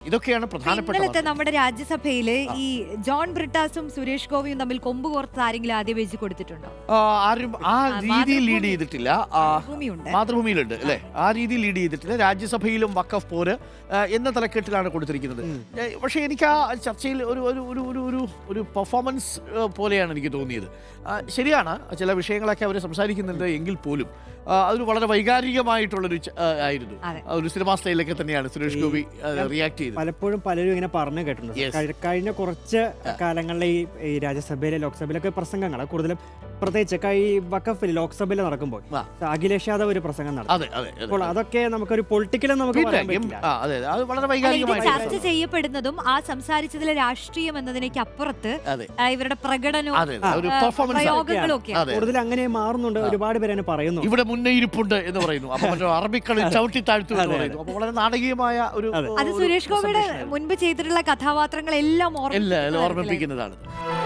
ഇതൊക്കെയാണ് പ്രധാനപ്പെട്ട ഇന്നലത്തെ നമ്മുടെ രാജ്യസഭയില് ഈ ജോൺ ബ്രിട്ടാസും സുരേഷ് ഗോപിയും തമ്മിൽ കൊമ്പ് കോർത്ത് ആരെങ്കിലും ആദ്യം വെച്ച് കൊടുത്തിട്ടുണ്ടോ? ആരും ആ രീതിയിൽ ലീഡ് ചെയ്തിട്ടില്ല. ഭൂമിയുണ്ട്, മാതൃഭൂമിയിലുണ്ട് അല്ലെ, ആ രീതിയിൽ ലീഡ് ചെയ്തിട്ടില്ല. രാജ്യസഭയിലും വഖഫ് പോര് എന്ന തലക്കെട്ടിലാണ് കൊടുത്തിരിക്കുന്നത്. പക്ഷേ എനിക്ക് ആ ചർച്ചയിൽ ഒരു ഒരു ഒരു ഒരു ഒരു ഒരു പെർഫോമൻസ് പോലെയാണ് എനിക്ക് തോന്നിയത്. ശരിയാണ്, ചില വിഷയങ്ങളൊക്കെ അവർ സംസാരിക്കുന്നുണ്ട് എങ്കിൽ പോലും അതൊരു വളരെ വൈകാരികമായിട്ടുള്ളൊരു ആയിരുന്നു. ഒരു സിനിമാ സ്റ്റൈലൊക്കെ തന്നെയാണ് സുരേഷ് ഗോപി റിയാക്ട് ചെയ്തത്. പലപ്പോഴും പലരും ഇങ്ങനെ പറഞ്ഞു കേട്ടിട്ടുണ്ട്. കഴിഞ്ഞ കുറച്ച് കാലങ്ങളിലെ ഈ രാജ്യസഭയിലെ ലോക്സഭയിലൊക്കെ പ്രസംഗങ്ങൾ കൂടുതലും, പ്രത്യേകിച്ച് ഈ വഖഫിൽ ലോക്സഭയിൽ നടക്കുമ്പോൾ അഖിലേഷ് യാദവ് ഒരു പ്രസംഗം നടത്തും. അപ്പോൾ അതൊക്കെ നമുക്കൊരു പൊളിറ്റിക്കലും നമുക്ക് ചർച്ച ചെയ്യപ്പെടുന്നതും ആ സംസാരിച്ചതിലെ രാഷ്ട്രീയം എന്നതിനേക്ക് അപ്പുറത്ത് ഇവരുടെ പ്രകടനവും പ്രയോഗങ്ങളും ഒക്കെ കൂടുതൽ അങ്ങനെ മാറുന്നുണ്ട്. ഒരുപാട് പേര് പറയുന്നു ഇവിടെ മുന്നേയിരിപ്പുണ്ട് എന്ന് പറയുന്നു. അപ്പൊ അറബിക്കളി ചവിട്ടി താഴ്ത്തു എന്ന് പറയുന്നു. അപ്പൊ വളരെ നാടകീയമായ ഒരു അത് സുരേഷ് ഗോപിയുടെ മുൻപ് ചെയ്തിട്ടുള്ള കഥാപാത്രങ്ങളെല്ലാം ഓർമ്മിപ്പിക്കുന്നതാണ്.